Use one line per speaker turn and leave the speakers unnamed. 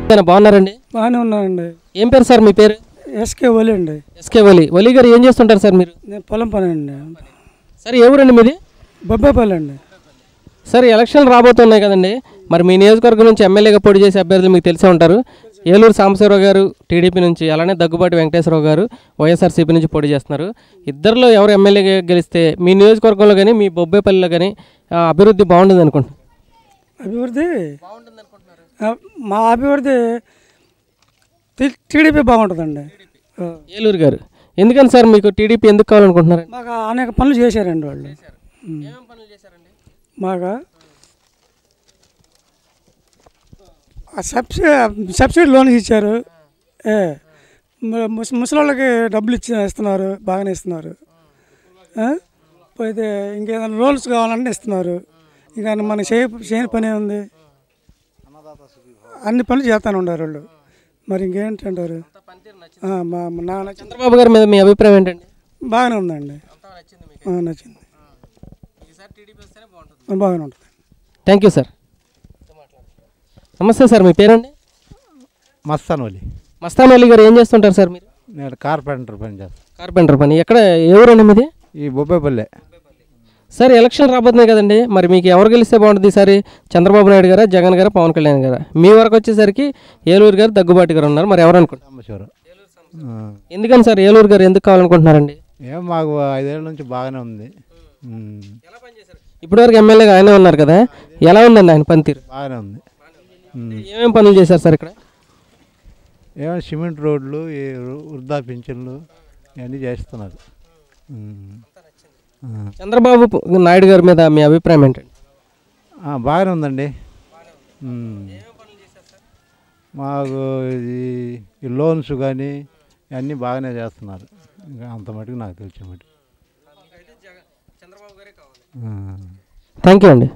బాగున్నారండి?
బాగానే ఉన్నానండి.
ఏం పేరు సార్ మీ పేరు?
ఎస్కే ఒలి అండి.
ఎస్కే ఒలి గారు ఏం చేస్తుంటారు సార్ మీరు?
నేను పొలం పని అండి.
సార్ ఏ ఊరండి మీది?
బొబ్బాయిపల్లి అండి.
సార్ ఎలక్షన్లు రాబోతున్నాయి కదండి, మరి మీ నియోజకవర్గం నుంచి ఎమ్మెల్యేగా పోటీ చేసే అభ్యర్థులు మీకు తెలిసే ఉంటారు. ఏలూరు సాంబశివరావు గారు టీడీపీ నుంచి, అలానే దగ్గుబాటి వెంకటేశ్వరరావు గారు వైఎస్ఆర్సీపీ నుంచి పోటీ చేస్తున్నారు. ఇద్దరిలో ఎవరు ఎమ్మెల్యేగా గెలిస్తే మీ నియోజకవర్గంలో కానీ మీ బొబ్బేపల్లిలో కానీ అభివృద్ధి బాగుంటుంది అనుకుంటున్నారు?
అభివృద్ధి మా అభివృద్ధి టీడీపీ బాగుంటుందండి.
ఏలూరు గారు ఎందుకని సార్ మీకు టీడీపీ ఎందుకు కావాలనుకుంటున్నారు?
మాకు అనేక పనులు చేశారండి వాళ్ళు. మాకు సబ్సిడీ లోన్స్ ఇచ్చారు. ముసలోళ్ళకి డబ్బులు ఇస్తున్నారు, బాగానే ఇస్తున్నారు. పోతే ఇంకేదైనా లోన్స్ కావాలంటే ఇస్తున్నారు. ఇంకా మనకి చేయని పని ఉంది, అన్ని పనులు చేస్తానే ఉన్నారు వాళ్ళు. మరి ఇంకేంటంటారు?
చంద్రబాబు గారి మీద మీ అభిప్రాయం ఏంటండి?
బాగానే ఉందండి, నచ్చింది, బాగానే ఉంటుంది.
Thank you sir. నమస్తే సార్, మీ పేరండి? మస్తాన్ అలీ గారు ఏం చేస్తుంటారు సార్ మీరు?
నేను కార్పెంటర్ పని చేస్తాను.
కార్పెంటర్ పని. ఎక్కడ, ఎవరండి మీది?
ఈ బొబ్బేపల్లె.
సార్ ఎలక్షన్ రాబోతున్నాయి కదండి, మరి మీకు ఎవరు గెలిస్తే బాగుంటుంది ఈసారి? చంద్రబాబు నాయుడు గారా, జగన్ గారా, పవన్ కళ్యాణ్ గారా? మీ వరకు వచ్చేసరికి ఏలూరు గారు, దగ్గుబాటి గారు ఉన్నారు. మరి ఎవరు అనుకుంటున్నారు? ఎందుకని సార్ ఏలూరు గారు ఎందుకు కావాలనుకుంటున్నారండి?
మాకు 5 ఏళ్ళ నుంచి బాగానే ఉంది.
ఇప్పటివరకు ఎమ్మెల్యేగా ఆయనే ఉన్నారు కదా, ఎలా ఉందండి ఆయన పనితీరు?
బాగానే ఉంది.
ఏమేమి పనులు చేశారు సార్ ఇక్కడ?
ఏమైనా సిమెంట్ రోడ్లు, వృద్ధా పింఛన్లు ఇవన్నీ చేస్తున్నారు.
చంద్రబాబు నాయుడు గారి మీద మీ అభిప్రాయం ఏంటండి?
బాగానే ఉందండి. మాకు ఈ లోన్స్ కానీ ఇవన్నీ బాగానే చేస్తున్నారు. ఇంకా అంత మటుకు నాకు తెలిసిన మటుకు.
థ్యాంక్ యూ అండి.